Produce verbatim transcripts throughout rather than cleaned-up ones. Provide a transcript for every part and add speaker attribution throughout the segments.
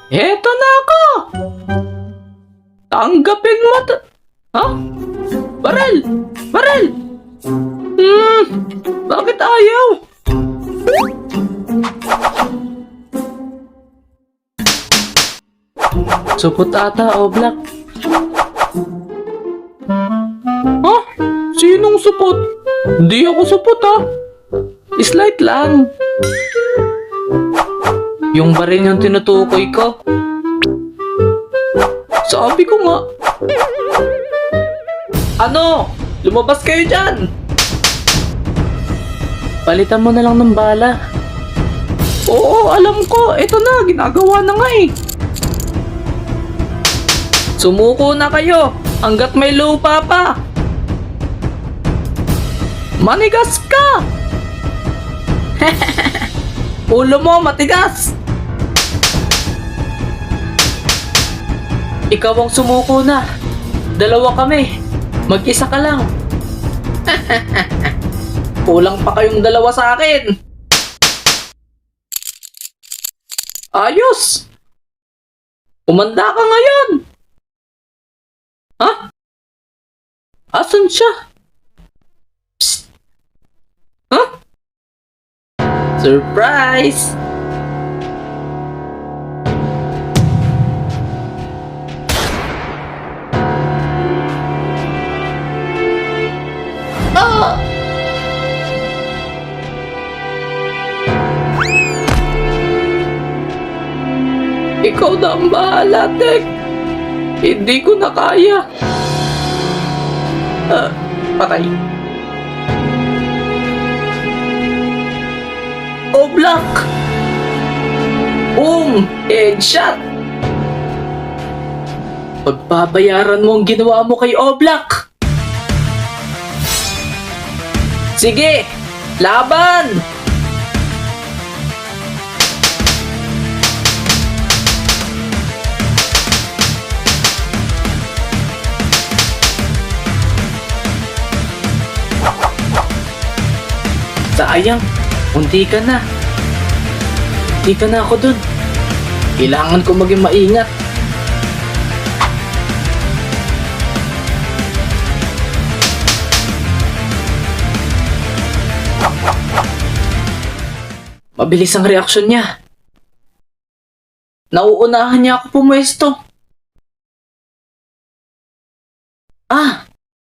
Speaker 1: Eto na ako! Tanggapin mo to! Ha? Barel! Barel! Hmm, bakit ayaw? Supot ata, Oblak. Ha? Sinong supot? Hindi ako supot, ha? Slight lang. Yung baril yung tinutukoy ko. Sabi ko nga. Ano? Lumabas kayo dyan! Palitan mo na lang ng bala. Oo, alam ko. Ito na, ginagawa na nga eh. Sumuko na kayo hanggat may lupa pa. Manigas ka! Ulo mo matigas! Ikaw ang sumuko na. Dalawa kami. Mag-isa ka lang. Kulang pa kayong dalawa sa akin. Ayos! Umanda ka ngayon! Ha? Asan siya? Psst! Ha? Surprise! Ah! Ikaw na ang bahala, Tek. Hindi ko na kaya. Ah, patay. Oblak! Boom! Headshot! Pagbabayaran mo ang ginawa mo kay Oblak! Sige! Laban! Sayang, unti ka na. Unti ka na ako dun. Kailangan ko maging maingat. Mabilis ang reaksyon niya. Nauunahan niya ako pumuesto. Ah!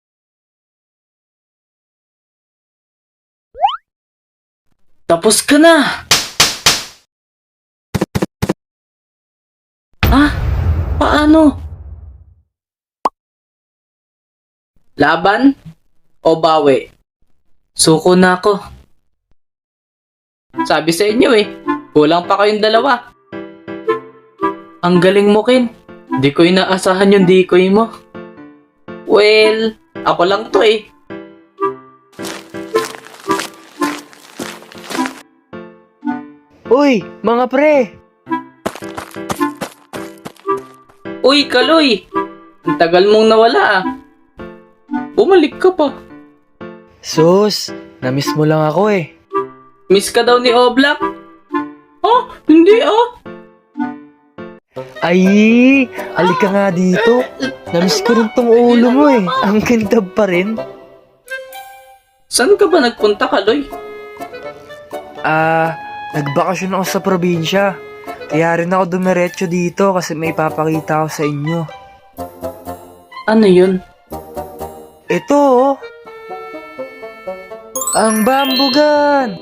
Speaker 1: Tapos ka na! Ah? Paano? Laban? O bawi? Suko na ako. Sabi sa inyo eh, kulang pa kayong dalawa. Ang galing mo, Ken. Di ko inaasahan yung decoy mo. Well, ako lang to eh.
Speaker 2: Uy, mga pre!
Speaker 1: Uy, Kaloy! Ang tagal mong nawala ah. Bumalik ka pa.
Speaker 2: Sus, namiss mo lang ako eh.
Speaker 1: Miss ka daw ni Oblak? Oh, hindi ah.
Speaker 2: Ay, halika nga dito. Namiss ko rin tong ulo mo eh. Ang kintab pa rin.
Speaker 1: Saan ka ba nagpunta, Kaloy?
Speaker 2: Ah, nagbakasyon ako sa probinsya. Kaya rin ako dumiretso dito kasi may papakita ako sa inyo.
Speaker 1: Ano yun?
Speaker 2: Ito oh. Ang bamboo gun!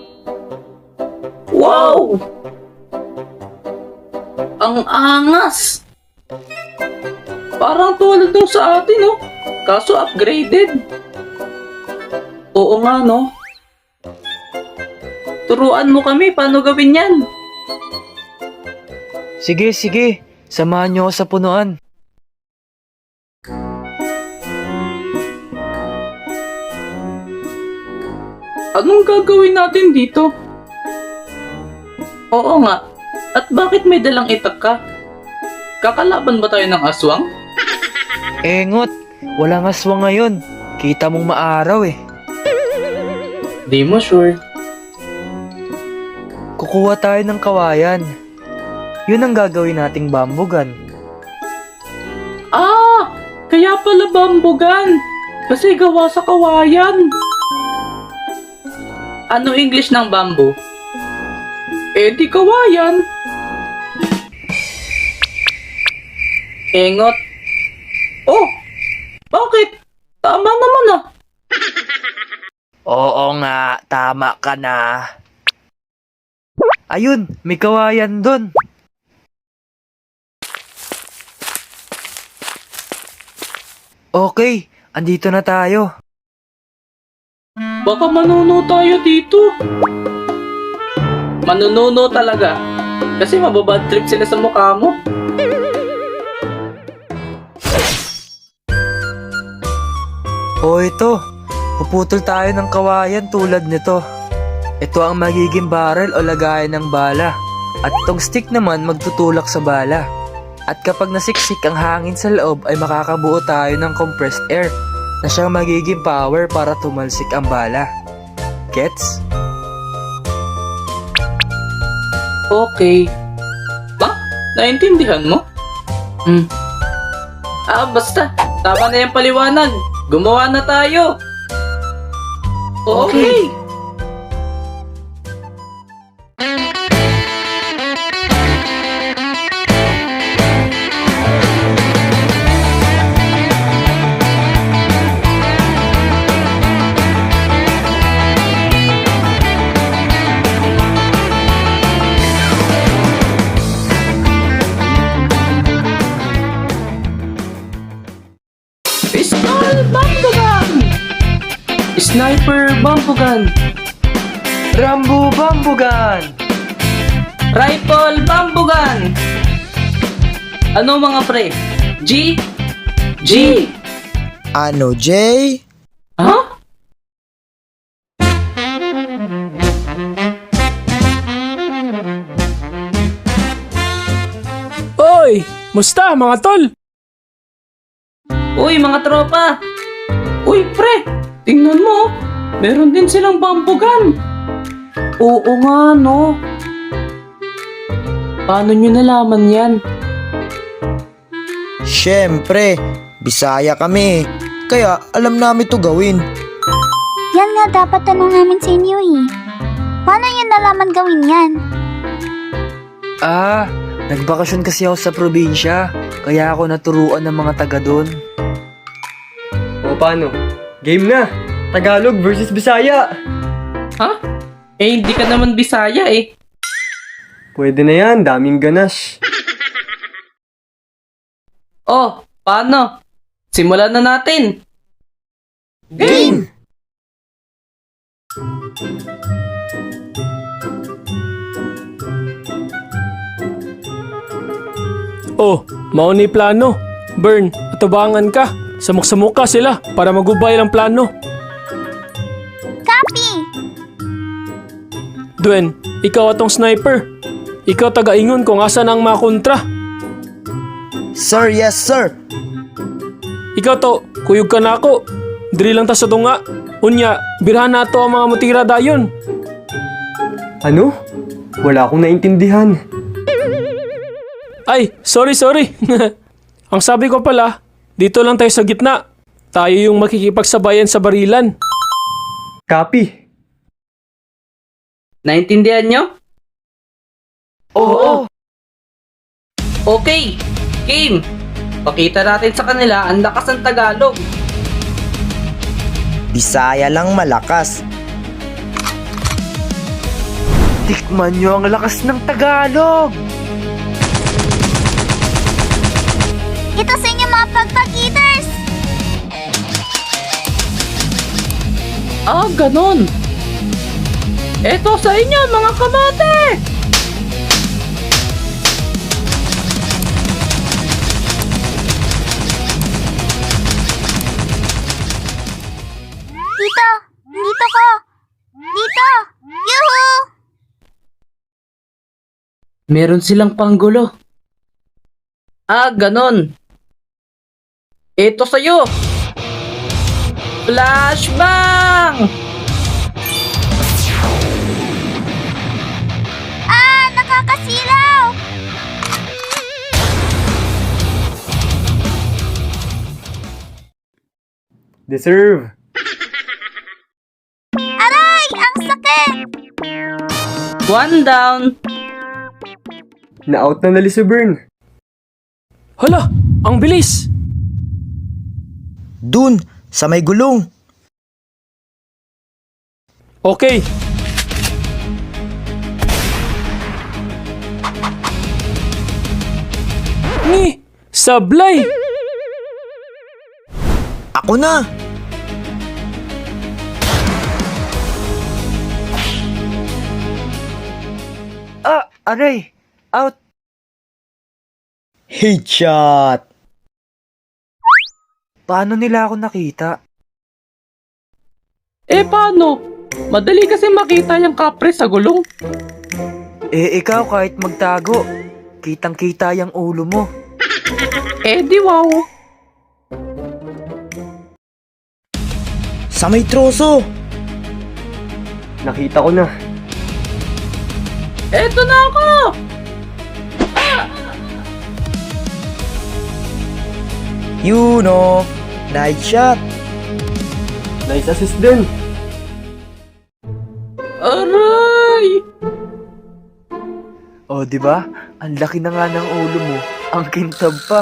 Speaker 1: Wow! Ang angas! Parang tulad nung sa atin, no? Kaso upgraded. Oo nga, no? Turuan mo kami paano gawin yan.
Speaker 2: Sige, sige. Samahan niyo ako sa punuan.
Speaker 1: Anong gagawin natin dito? Oo nga. At bakit may dalang itak ka? Kakalaban ba tayo ng aswang?
Speaker 2: Engot, walang aswang ngayon. Kita mong maaraw eh.
Speaker 1: Di mo sure.
Speaker 2: Kukuha tayo ng kawayan. Yun ang gagawin nating bambugan.
Speaker 1: Ah! Kaya pala bambugan! Kasi gawa sa kawayan. Ano English ng bamboo? Eh di kawayan. Engot. Oh! Bakit? Tama naman ah.
Speaker 2: Oo nga, tama ka na. Ayun, may kawayan dun. Okay, andito na tayo.
Speaker 1: Baka manuno tayo dito. Manununo talaga. Kasi mababad trip sila sa mukha mo.
Speaker 2: O ito, puputol tayo ng kawayan tulad nito. Ito ang magiging barrel o lagayan ng bala. At itong stick naman magtutulak sa bala. At kapag nasiksik ang hangin sa loob ay makakabuo tayo ng compressed air na siyang magiging power para tumalsik ang bala. Gets?
Speaker 1: Okay. Ba? Naintindihan mo? Hmm. Ah, basta. Tama na yung paliwanag. Gumawa na tayo. Okay. Pistol Bambugan! Sniper Bambugan!
Speaker 2: Rambo Bambugan!
Speaker 1: Rifle Bambugan! Ano mga pre? G? G!
Speaker 3: Ano, Jay?
Speaker 1: Ha?
Speaker 4: Oy! Musta mga tol?
Speaker 1: Uy mga tropa! Uy pre! Tingnan mo! Meron din silang bambugan! Oo nga no! Paano nyo nalaman yan?
Speaker 3: Siyempre, Bisaya kami. Kaya alam namin to gawin.
Speaker 5: Yan nga dapat tanong namin sa inyo eh. Paano yun nalaman gawin yan?
Speaker 2: Ah, nagbakasyon kasi ako sa probinsya. Kaya ako naturuan ng mga taga doon.
Speaker 6: O paano? Game na! Tagalog versus Bisaya!
Speaker 1: Ha? Eh hindi ka naman Bisaya eh.
Speaker 6: Pwede na yan, daming ganas.
Speaker 1: Oh, paano? Simulan na natin!
Speaker 3: Game!
Speaker 4: Oh, mauni plano. Burn, atubangan ka. Samok-samok ka sila para magubay ang plano.
Speaker 5: Copy!
Speaker 4: Duen, ikaw atong sniper. Ikaw taga-ingon kung asa na ang mga kontra.
Speaker 3: Sir, yes sir!
Speaker 4: Ikaw to, kuyog ka na ako. Diri lang ta sa tunga. Unya, birhan na to ang mga mutira dayon.
Speaker 6: Ano? Wala akong naintindihan.
Speaker 4: Ay, sorry, sorry. Ang sabi ko pala, dito lang tayo sa gitna. Tayo yung makikipagsabayan sa barilan.
Speaker 6: Copy!
Speaker 1: Naintindihan nyo?
Speaker 2: Oo!
Speaker 1: Okay! Game! Pakita natin sa kanila ang lakas ng Tagalog.
Speaker 3: Bisaya lang malakas.
Speaker 2: Tikman nyo ang lakas ng Tagalog!
Speaker 5: Ito sa inyo mga pagpag-eaters!
Speaker 1: Ah, ganon! Eto sa inyo mga kamate!
Speaker 5: Dito! Dito ko! Dito! Yuhu!
Speaker 1: Meron silang panggulo. Ah, ganon. Ito sa'yo. Flashbang!
Speaker 5: Ah! Nakakasilaw!
Speaker 6: Deserve.
Speaker 5: Aray! Ang sakit!
Speaker 1: One down.
Speaker 6: Na-out na nali si Bern.
Speaker 4: Hala, ang bilis!
Speaker 3: Dun, sa may gulong.
Speaker 4: Okay, ni, sablay!
Speaker 3: Ako na.
Speaker 2: Ah, aray! Out!
Speaker 3: Headshot.
Speaker 2: Paano nila ako nakita?
Speaker 1: Eh paano? Madali kasi makita yung kapre sa gulong.
Speaker 2: Eh, ikaw kahit magtago, kitang-kita yung ulo mo.
Speaker 1: Eh di wow.
Speaker 3: Sa may troso.
Speaker 6: Nakita ko na.
Speaker 1: Eto na ako!
Speaker 3: You know. Nice shot.
Speaker 6: Nice assist din.
Speaker 1: Aray!
Speaker 2: O, di ba? Ang laki na nga ng ulo mo. Ang kintab pa.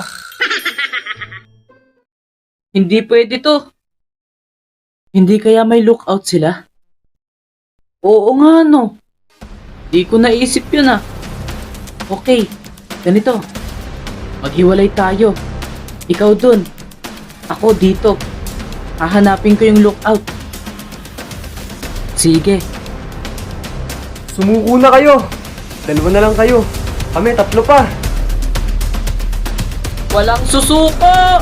Speaker 1: Hindi pwede to. Hindi kaya may lookout sila? Oo nga no. Di ko naisip yun ah. Okay, ganito. Maghiwalay tayo. Ikaw dun. Ako dito. Hahanapin ko yung lookout. Sige.
Speaker 6: Sumuko na kayo. Dalawa na lang kayo. Kami, tatlo pa.
Speaker 1: Walang susuko!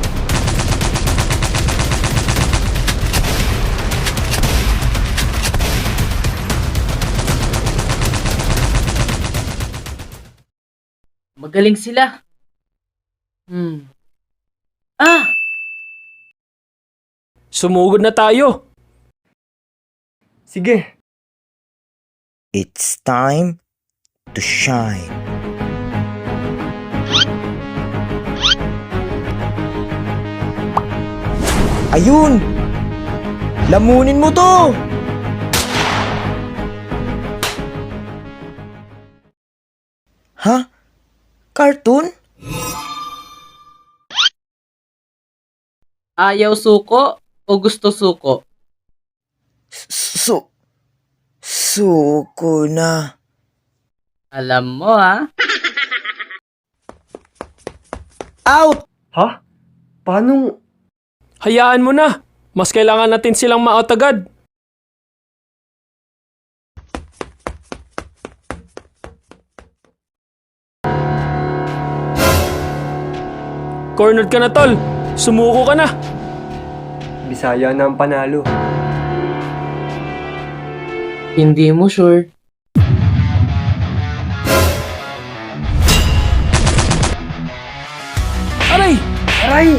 Speaker 1: Magaling sila. Hmm. Ah!
Speaker 4: Sumugod na tayo.
Speaker 6: Sige.
Speaker 3: It's time to shine. Ayun! Lamunin mo to! Ha? Cartoon?
Speaker 1: Ayaw suko o gusto suko?
Speaker 3: Su... Suko na.
Speaker 1: Alam mo ha?
Speaker 3: Out!
Speaker 6: Ha? Paano?
Speaker 4: Hayaan mo na. Mas kailangan natin silang ma-out agad. Cornered ka na, tol. Sumuko ka na.
Speaker 6: Bisaya na ang panalo.
Speaker 1: Hindi mo sure.
Speaker 4: Aray!
Speaker 6: Aray!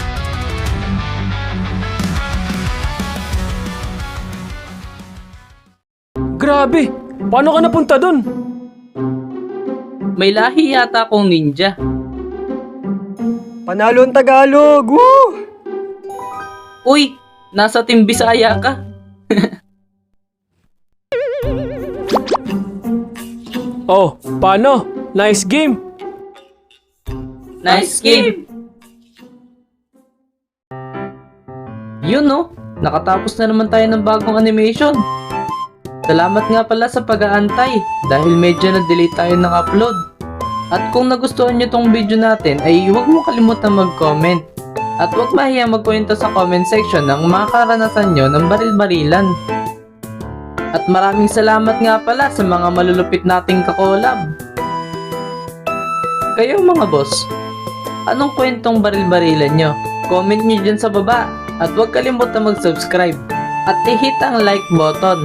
Speaker 4: Grabe! Paano ka napunta dun?
Speaker 1: May lahi yata akong ninja.
Speaker 6: Panalo ang Tagalog! Woo!
Speaker 1: Uy! Nasa Team Bisaya ka.
Speaker 4: Oh, paano? Nice game!
Speaker 1: Nice game! Yun no, nakatapos na naman tayo ng bagong animation. Salamat nga pala sa pag-aantay dahil medyo na-delay tayo ng upload. At kung nagustuhan nyo tong video natin ay huwag mo kalimutan mag-comment. At huwag mahiya magkwento sa comment section ng mga karanasan nyo ng baril-barilan. At maraming salamat nga pala sa mga malulupit nating kakolab. Kayo mga boss, anong kwentong baril-barilan nyo? Comment nyo dyan sa baba. At huwag kalimutan mag-subscribe. At i-hit ang like button.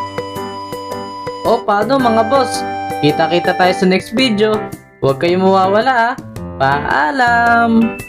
Speaker 1: O paano mga boss? Kita-kita tayo sa next video. Huwag kayong mawawala ah. Paalam!